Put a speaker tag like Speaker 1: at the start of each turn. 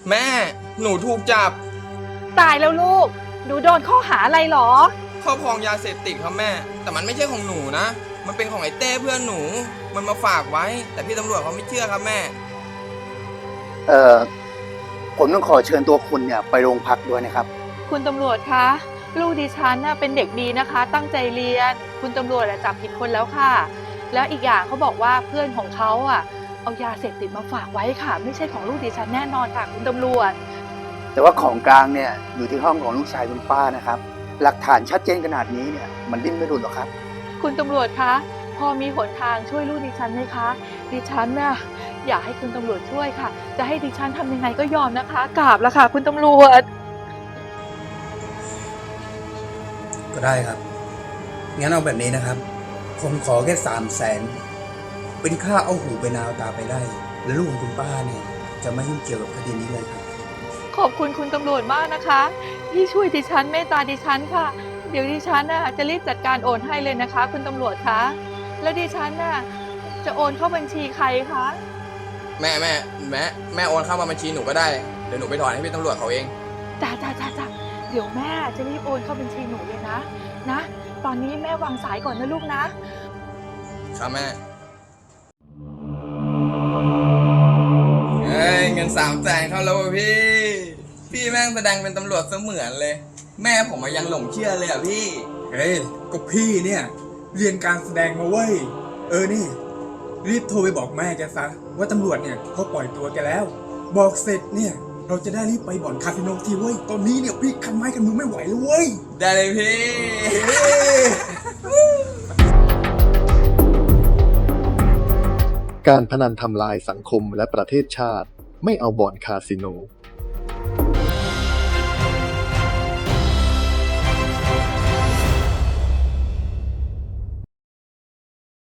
Speaker 1: แม่หนูถูกจับ
Speaker 2: ตายแล้วลูกหนูโดนข้อหาอะไรหรอ
Speaker 1: ครอบครองยาเสพติดครับแม่แต่มันไม่ใช่ของหนูนะมันเป็นของไอ้เต้เพื่อนหนูมันมาฝากไว้แต่พี่ตำรวจเขาไม่เชื่อครับแม่
Speaker 3: เอ่อผมต้องขอเชิญตัวคุณเนี่ยไปโรงพักด้วยนะครับ
Speaker 2: คุณตำรวจคะลูกดิฉันน่ะเป็นเด็กดีนะคะ ตั้งใจเรียนคุณตำรวจจับผิดคนแล้วค่ะแล้วอีกอย่างเขาบอกว่าเพื่อนของเขาเอายาเสพติดมาฝากไว้ค่ะ ไม่ใช่ของลูกดิฉันแน่นอนค่ะคุณตำรวจ
Speaker 3: แต่ว่าของกลางเนี่ยอยู่ที่ห้องของลูกชายคุณป้านะครับหลักฐานชัดเจนขนาดนี้เนี่ยมันดิ้นไม่หลุดหรอกครับ
Speaker 2: คุณตำรวจคะพอมีหนทางช่วยลูกดิฉันไหมคะดิฉันน่ะอยากให้คุณตำรวจช่วยค่ะจะให้ดิฉันทำยังไงก็ยอมนะคะกราบแล้วค่ะคุณตำรวจ
Speaker 4: ก็ได้ครับงั้นเอาแบบนี้นะครับผมขอแค่300,000เป็นค่าเอาหูไปนาวตาไปได้แล้วลูกของคุณป้าเนี่ยจะไม่ยุ่งเกี่ยวกับคดีนี้เลยครับ
Speaker 2: ขอบคุณคุณตำรวจมากนะคะที่ช่วยดิฉันเมตตาดิฉันค่ะเดี๋ยวดิฉันจะรีบจัดการโอนให้เลยนะคะคุณตำรวจคะแล้วดิฉันจะโอนเข้าบัญชีใครคะ
Speaker 1: แม่โอนเข้ามาบัญชีหนูก็ได้เดี๋ยวหนูไปถอนให้พี่ตำรวจเขาเอง
Speaker 2: จ้าเดี๋ยวแม่จะรีบโอนเข้าบัญชีหนูเลยนะตอนนี้แม่วางสายก่อนนะลูกนะครับ
Speaker 1: แม่เฮ้ยเงิน300,000เข้าแล้วพี่แม่งแสดงเป็นตำรวจเสมือนเลยแม่ผมยังหลงเชื่อเลยพี่
Speaker 4: เฮ้ยก็พี่เนี่ยเรียนการแสดงมาเว้ยนี่รีบโทรไปบอกแม่แกซะว่าตำรวจเนี่ยเขาปล่อยตัวแกแล้วบอกเสร็จเนี่ยเราจะได้รีบไปบ่อนคาสิโนทีเว้ยตอนนี้เนี่ยพี่คันไม้กันมือไม่ไหวแล้วเว้ย
Speaker 1: ได้เลยพี่
Speaker 5: การพนันทำลายสังคมและประเทศชาติไม่เอาบ่อนคาสิโน